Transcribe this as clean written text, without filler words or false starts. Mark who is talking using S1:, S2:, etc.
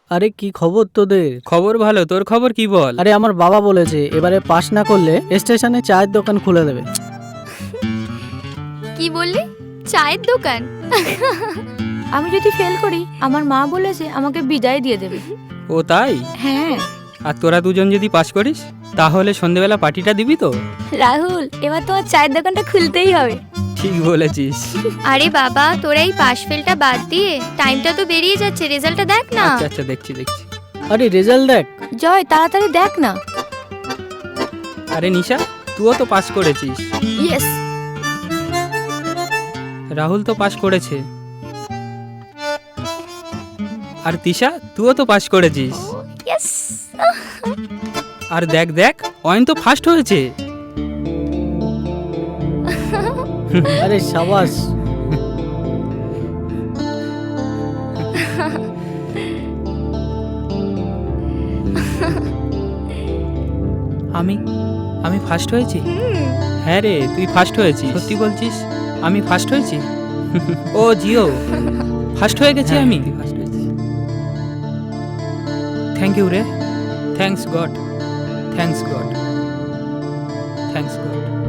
S1: আরে কি খবর তোদের?
S2: খবর ভালো, তোর খবর কি বল?
S1: আরে আমার বাবা বলেছে এবারে পাস না করলে স্টেশনে চায়ের দোকান খুলে দেবে।
S3: কি বললি? চায়ের দোকান?
S4: আমি যদি ফেল করি আমার মা বলেছে আমাকে বিদায় দিয়ে দেবে।
S2: ও তাই?
S4: হ্যাঁ
S2: আর তোরা দুজন যদি পাস করিস তাহলে সন্ধেবেলা পার্টিটা দিবি তো?
S4: রাহুল, এবার তোমার চায়ের দোকানটা খুলতেই হবে।
S2: ঠিক বলেছিস।
S3: আরে বাবা, তোরা এই পাশ ফেলটা বাদ দিয়ে টাইমটা তো বেরিয়ে যাচ্ছে, রেজাল্টটা দেখ না।
S2: আচ্ছা আচ্ছা, দেখছি।
S1: আরে রেজাল্ট দেখ।
S4: জয় তাড়াতাড়ি দেখ না।
S2: আরে নিশা, তুইও তো পাস করেছিস।
S4: ইয়েস।
S2: রাহুল তো পাস করেছে। আর তিশা, তুইও তো পাস করেছিস।
S4: ইয়েস।
S2: আর দেখ অয়ন তো ফার্স্ট হয়েছে।
S1: আরে সাবাস।
S2: আমি ফার্স্ট হয়েছি? হ্যাঁ রে, তুই ফার্স্ট হয়েছিস। সত্যি বলছিস? আমি ফার্স্ট হয়েছি? ও জিও, ফার্স্ট হয়ে গেছি আমি। ফার্স্ট হয়েছি। থ্যাংক ইউ রে। Thanks god.